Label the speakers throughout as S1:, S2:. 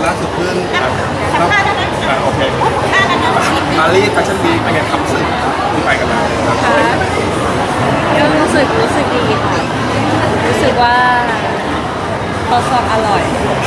S1: ล่าสุดเพิ่ง
S2: สัมภาษณ์แล้วนะ
S1: โอเค
S2: สัมภาษณ์แล้วนะ
S1: ปารีสแฟชั่นวีคเป็นไงครับรู้สึกที่ไปกันมาครับ
S3: ค่ะก็รู้สึกดีค่ะรู้สึกว่าทดสอบอร่อย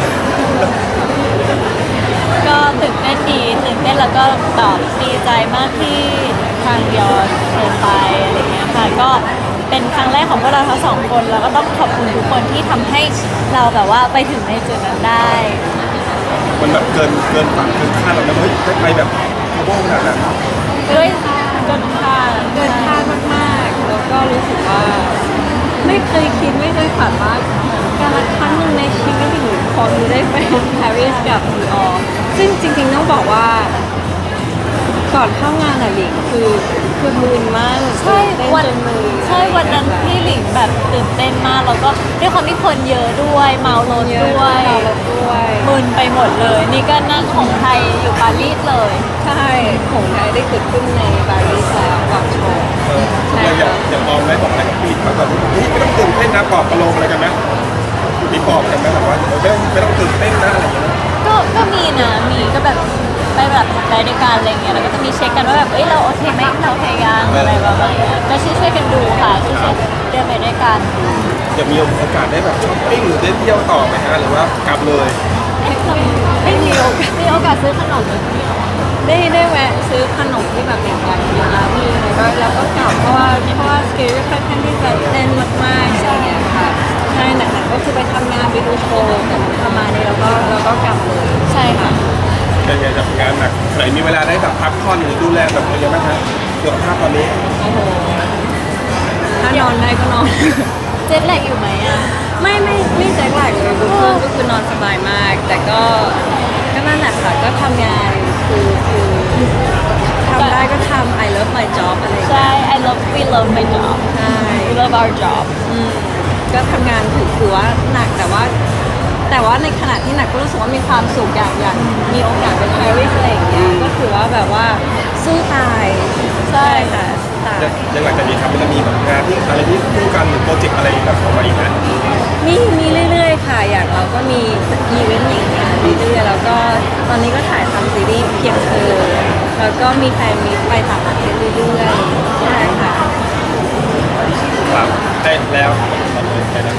S3: ก็ตื่นเต้นดีตื่นเต้นแล้วก็แบบดีใจมากที่ทางยอดเชิญไปอะไรเงี้ยค่ะก็เป็นครั้งแรกของพวกเราทั้งสองคนแล้วก็ต้องขอบคุณทุกคนที่ทำให้เราแบบว่าไปถึงในจุดนั้นได้
S1: มันแบบเกินฝันเกินคาดเราแล้วเฮ้ยได้ไปแบบกระโปงขนาดนั้น
S3: ด้วยเกินคาดมากๆแล้วก็รู้สึกว่าไม่เคยคิดไม่เคยฝันว่าการละครั้งหนึ่งในชีวิตหนูพอมีได้ไปปารีสกับดีออซึ่งจริงๆต้องบอกว่าก่อนเข้างานอะหลิงคือมึนมาก
S2: ใช่วัน
S3: จนมือ
S2: ใช่วันนั้นพี่หลิงแบบตื่นเต้นมากแล้วก็ด้วยความที่คนเยอะด้วยเมารถด้วยมึนไปหมดเลย นี่ก็นั่งของไทยอยู่ปารีสเลย
S3: ใช่ของไทยได้เกิดขึ้นในปารีสแล้วก่อนโชว์
S1: เราอย่ามองไว้บอกอะไรกับพี่มาแบบนี่ไม่ต้องตื่นเต้นนะปลอบประโลมอะไรกันไหมมีปลอบกันไหมแบบว่าไม่ต้องตื่นเต้นนะอะไรอย่างเงี้ย
S2: ก็มีนะมีก็แบบไปแบบไปด้วยกันอะไรเงี้ยแล้วก็จะมีเช็คกันว่าแบบเอ้ยเราโอเคไหมเราโอเคยังอะไรประมาณเนี้ยก็ช่วยกันดูค่ะช่วยเดินไปด้วยกัน
S1: จะมีโอกาสได้แบบช้อปปิ้งหรือได้เที่ยวต่อไหมฮะหรือว่ากลับเลย
S3: ไม่มีโอกาสซื้อขนมได้แวะซื้อขนมที่แบบเป็นกันแล้วมีแล้วก็กลับเพราะว่าสเกลค่อนข้างที่จะแน่นมากๆใช่ไหมค่ะใช่หนักๆก็คือไปทำงานไปดูโชว์แต่ประมาณนี้แล้วก็กลับเลย
S2: ใช่ค่ะ
S1: เป็นไงจากงานหนักไหนมีเวลาได้แบบพักผ่อนหรือดูแลแบบอะไรยังไงบ้างฮะสุขภาพตอนนี้
S3: โอ้โหถ้านอนได้ก็นอน
S2: เจ็ตแลกอยู่ไหมอ่ะ
S3: ไม่แจ็คแลกเลยก็คือนอนสบายมากแต่ก็นั่นแหละค่ะก็ทำงานคือทำได้ก็ทำ I love my job อะไร
S2: ใช่ we love my job
S3: ใช่
S2: we love our job
S3: ก็ทำงานถือว่าหนักแต่ว่าในขณะที่หนักก็รู้สึกว่ามีความสุขอย่างมีโอกาสไปปารีสอะไรอย่างเงี้ยก็ถือว่าแบบว่าสู้ตายใช่ค่ะตาย
S1: ยังหลังจากนี้ครับมันจะมีแบบงานที่อะไรที่คู่กันหรือโปรเจกต์อะไรแบบออกมาอีกไหม
S3: มีเรื่อยๆค่ะอย่างเราก็มีอีเวนต์อย่างเงี้ยเรื่อยๆแล้วก็ตอนนี้ก็ถ่ายทำซีรีส์เพียงเธอแล้วก็มีแฟนมีไปต่างประเทศเรื่อยๆใช่ค่ะ
S1: ครับได้แล้วได้แล้ว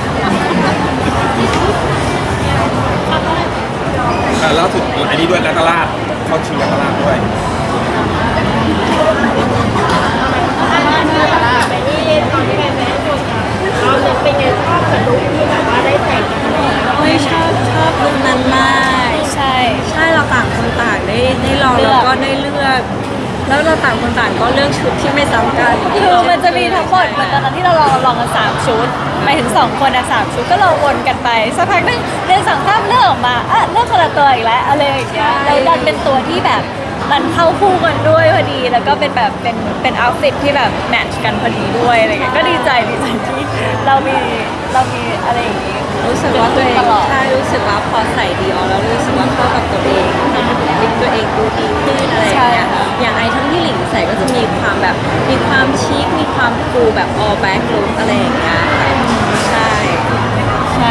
S1: ล่าสุดอันนี้ด้วยนักราชเข้าชิงนักราชด้วย
S2: ไปที่ตอนที่ไปแมสเราเป็นไงชอบกับลุคที่แบบว่าได้แต่ง
S3: ไม่ชอบลุคนั้นมาก
S2: ใช่
S3: เราต่างคนต่างได้ลองแล้วก็ได้เลือกแล้วเราต่างคนต่างก็เลือกชุดที่ไม่ซ้ำกัน
S2: คือมันจะมีทั้งหมดเหมือนตอนนั้นที่เราลองกัน3 ชุดไปถึง2 คน3 ชุดก็เราวนกันไปสักพักนึงเรื่อง2 3เลือกออกมาเลือกคนละตัวอีกแล้วอะไรอย่างเงี้ยแล้วดันเป็นตัวที่แบบมันเข้าคู่กันด้วยพอดีแล้วก็เป็นแบบเป็นเอาท์ฟิตที่แบบแมทช์กันพอดีด้วยอะไรเงี้ยก็ดีใจที่เรามีอะไรอย่างงี้
S3: รู้สึกว่าตัวเองใช่รู้สึกว่าพอใส่ดีออแล้วรู้สึกว่าเข้ากับตัวเองลิปตัวเองดูดีขึ้นอะไรอย่างเงี้ยอย่างไอทั้งที่หลิงใส่ก็จะมีความแบบมีความชิคมีความฟูแบบ all back look อะไรอย่างเงี้ยใช่
S2: ค่ะ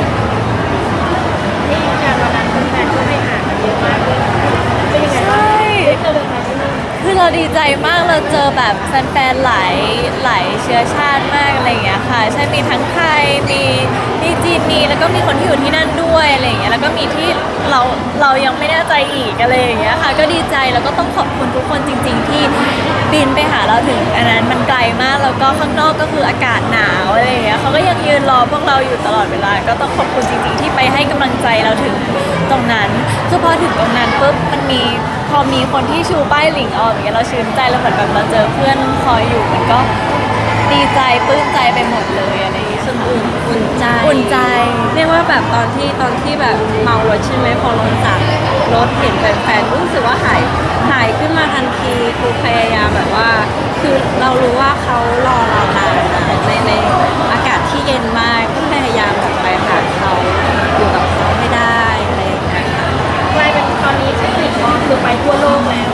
S3: ที่งานวันนั้นแฟนๆก็ไปหากันเยอะมากเลยเป็นยังไงบ้าง
S2: คือเราดีใจมากเราเจอแบบแฟนๆหลายเชื้อชาติมากอะไรอย่างเงี้ยค่ะใช่มีทั้งไทยมีจีนมีแล้วก็มีคนที่อยู่ที่นั่นด้วยอะไรอย่างเงี้ยแล้วก็มีที่เรายังไม่แน่ใจอีกอะไรอย่างเงี้ยค่ะก็ดีใจแล้วก็ต้องขอบคุณทุกคนจริงๆที่บินไปหาเราถึงอันนั้นมันไกลมากแล้วก็ข้างนอกก็คืออากาศหนาวอะไรอย่างเงี้ยเขาก็ยังยืนรอพวกเราอยู่ตลอดเวลาก็ต้องขอบคุณจริงๆที่ไปให้กำลังใจเราถึงตรงนั้นคือพอถึงตรงนั้นปุ๊บมันพอมีคนที่ชูป้ายหลิงออกอย่างเงี้ยเราชื่นใจแล้วเหมือนแบบเราเจอเพื่อนคอยอยู่มันก็ดีใจปลื้มใจไปหมดเลยอะไรอย่างเงี้ย
S3: อุ่นใจเรียกว่าแบบตอนที่แบบเมารถใช่ไหมพอลงจากรถเห็นแฟนๆรู้สึกว่าหายขึ้นมาทันทีคือพยายามแบบว่าคือเรารู้ว่าเขารอเรานานในอากาศที่เย็นมากก็พยายามแบบไปหาเขาอยู่กับเขาให้ได้อะไรอย่างเงี้ย
S2: กลายเป็นตอนนี้ที่หลิงก็คือไปทั่วโลกแล้ว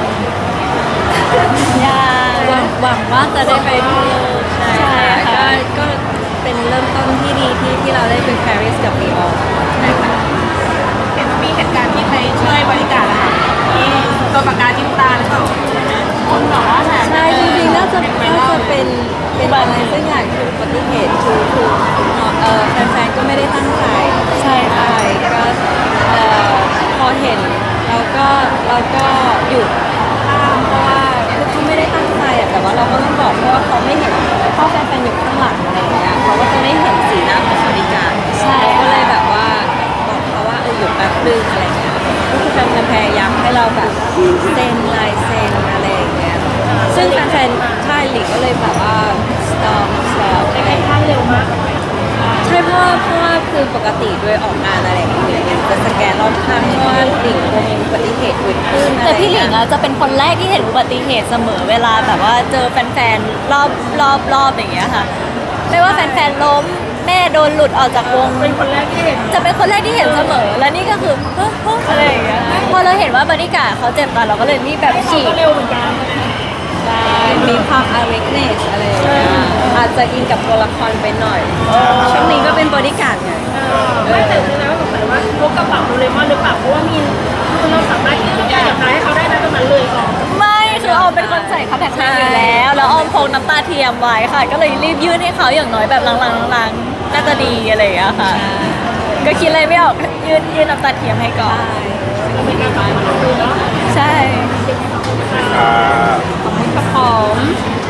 S3: หวังว่าจะได้ไปทั่วโลกใช่ก็เป็นเริ่มต้นที่ดีที่เราได้ไปปารีสกับลีออน
S2: เห็นว่ามีเหตุการณ์ที่ไป
S4: ช่วยบริการอะค่ะนี่ตัวปากกาจิ้มตาหรือเปล่าคนบอกว่าแบบ
S3: ใช่จริงๆน่าจะเป็นอะไรสักอย่างคืออุบัติเหตุคือแฟนๆก็ไม่ได้ตั้งใจ
S2: ใช่ค่ะ
S3: ก็พอเห็นเราก็หยุดข้ามเพราะว่าคือเขาไม่ได้ตั้งใจอะแต่ว่าเราก็ต้องบอกเพราะว่าเขาไม่เห็นเพราะแฟนๆอยู่ข้างหลังอะไรอย่างเงี้ยเขาก็จะไม่เห็นสีหน้าของบริการ
S2: ใช่
S3: ก็เลยแบบว่าบอกเขาว่าหยุดแป๊บนึงอะไรเงี้ยก็คือแฟนๆพยายามให้เราแบบเซ็นลายเซ็นอะไรอย่างเงี้ยซึ่งแฟนๆค่ายหลีกก็เลยแบบว่า stop อะไรอย่างเงี้ย
S4: ข้างเร็วมาก
S3: ใช่เพราะว่าคือปกติโดยออกงานอะไรอย่างเงี้ยจะสแกนรอบข้างเพราะว่าหลิงกลัวมีอุบัติเหตุเกิดขึ้นอะไร
S2: แต่พี่หลิง
S3: เงี้ย
S2: อะจะเป็นคนแรกที่เห็นอุบัติเหตุเสมอเวลาแบบว่าเจอแฟนๆรอบอย่างเงี้ยค่ะไม่ว่าแฟนๆล้มแม่โดนหลุดออกจากวง
S4: เป็นคนแรกที่เห็น
S2: จะเป็นคนแรกที่เห็นเสมอ และนี่ก็คือเฮ้ยเฮ้ยอะไรอย่างเงี้ยพอเราเห็นว่าบริการดเขาเจ็บกันเราก็เลยรีบแบบฉีก
S4: ก็เร็วเหมือนกัน
S3: มีความ awareness อะไรอย่างเงี้ยอาจจะอินกับตัวละครไปหน่อยช่วงนี้ก็เป็นบริการไง
S4: ไม่แต่คือนะสงสัยว่าพกกระเป๋าโดเรมอนหรือเปล่าเพราะว่ามีคือเราสามารถที่จะหยับร้ายให้เขาได้นะตรงนั้นเลยก่อน
S2: ไม่คือออมเป็นคนใส่คอนแทคเลนส์อยู่แล้วแล้วออมพกน้ำตาเทียมไว้ค่ะ ก็เลยรีบยื่นให้เขาอย่างน้อยแบบลังๆน่าจะดีอะไรอย่างเงี้ยค่ะ ก็คิดอะไรไม่ออกยื่นน้ำตาเทียมให้ก่อน
S4: เป็นการตายมันดูเนาะ
S2: ใช่
S3: ขอบคุณครับผม